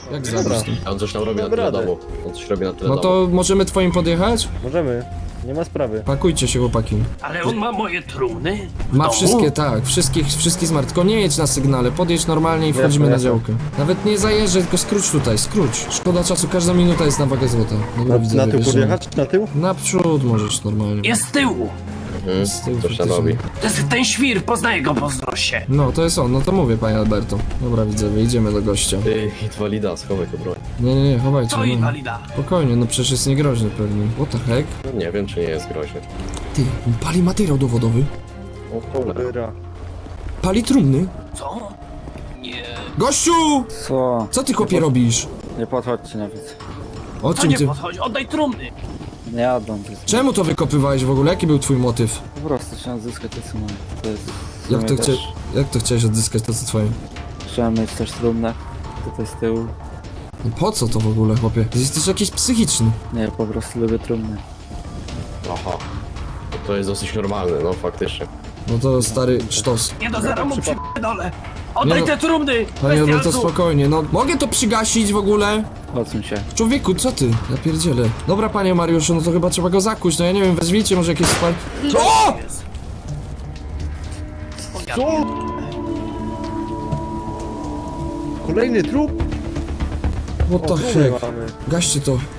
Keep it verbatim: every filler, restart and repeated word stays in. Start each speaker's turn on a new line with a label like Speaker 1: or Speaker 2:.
Speaker 1: Jak zabić tym?
Speaker 2: A on coś tam robi na
Speaker 3: Dobra,
Speaker 2: tyle
Speaker 3: radę.
Speaker 2: domu. On coś robi na tyle
Speaker 1: No
Speaker 2: domu.
Speaker 1: to możemy twoim podjechać?
Speaker 3: Możemy. Nie ma sprawy.
Speaker 1: Pakujcie się, chłopaki.
Speaker 4: Ale on ma moje trumny? W
Speaker 1: Ma
Speaker 4: domu?
Speaker 1: wszystkie, tak, wszystkich, wszystkich smart. Tylko nie jedź na sygnale, podjedź normalnie i wchodzimy
Speaker 3: Jasne,
Speaker 1: na
Speaker 3: jasne.
Speaker 1: działkę. Nawet nie zajeżdżaj, tylko skróć tutaj, skróć. Szkoda czasu, każda minuta jest na wagę złota. Dobra,
Speaker 3: Na,
Speaker 1: widzę,
Speaker 3: na tył
Speaker 1: wjeżdżamy.
Speaker 3: podjechać? Na tył?
Speaker 1: Naprzód możesz normalnie.
Speaker 4: Jest z tyłu.
Speaker 2: Mhm.
Speaker 1: Z tyłu
Speaker 2: Coś tam
Speaker 1: faktycznie.
Speaker 2: robi.
Speaker 4: To jest ten świr, poznaję go po wzroście.
Speaker 1: No, to jest on, no to mówię, panie Alberto. Dobra, widzę, wyjdziemy do gościa.
Speaker 2: Ty, inwalida, schowaj go broń.
Speaker 1: Nie, nie, nie, chowajcie.
Speaker 4: To
Speaker 1: No.
Speaker 4: inwalida.
Speaker 1: Spokojnie, no przecież jest niegroźny pewnie. What the heck?
Speaker 2: No nie wiem, czy nie jest groźny.
Speaker 1: Ty, pali materiał dowodowy.
Speaker 2: O cholera.
Speaker 3: Dobra.
Speaker 1: Pali trumny.
Speaker 4: Co? Nie.
Speaker 1: Gościu!
Speaker 5: Co?
Speaker 1: Co ty, chłopie, robisz?
Speaker 5: Nie podchodźcie nawet.
Speaker 1: O
Speaker 4: To
Speaker 1: czym
Speaker 4: nie
Speaker 1: ty...
Speaker 4: podchodzi, oddaj trumny.
Speaker 5: Nie jadą. To jest...
Speaker 1: Czemu to wykopywałeś w ogóle? Jaki był twój motyw?
Speaker 5: Po prostu chciałem zyskać to co mam. To jest... w
Speaker 1: Jak
Speaker 5: sumie
Speaker 1: to, chcia...
Speaker 5: też-
Speaker 1: Jak to chciałeś odzyskać to co twoje?
Speaker 5: Chciałem mieć też trumnę. Tutaj z tyłu.
Speaker 1: No po co to w ogóle, chłopie? Ty jesteś jakiś psychiczny.
Speaker 5: Nie, po prostu lubię trumny.
Speaker 2: Aha. No to jest dosyć normalne, no faktycznie.
Speaker 1: No to stary sztos.
Speaker 4: Nie do zera mu przypadole. Oddaj
Speaker 1: Nie no.
Speaker 4: te trumny.
Speaker 1: Panie Alberto,
Speaker 4: bestialcu.
Speaker 1: spokojnie, no mogę to przygasić w ogóle?
Speaker 5: Odsuń się.
Speaker 1: Człowieku, co ty? Ja pierdzielę. Dobra, panie Mariuszu, no to chyba trzeba go zakuć, no ja nie wiem, wezwijcie może jakieś spal... O!
Speaker 3: Co? Kolejny trup?
Speaker 1: What the
Speaker 3: O, trumny
Speaker 1: heck?
Speaker 3: mamy.
Speaker 1: Gaście to.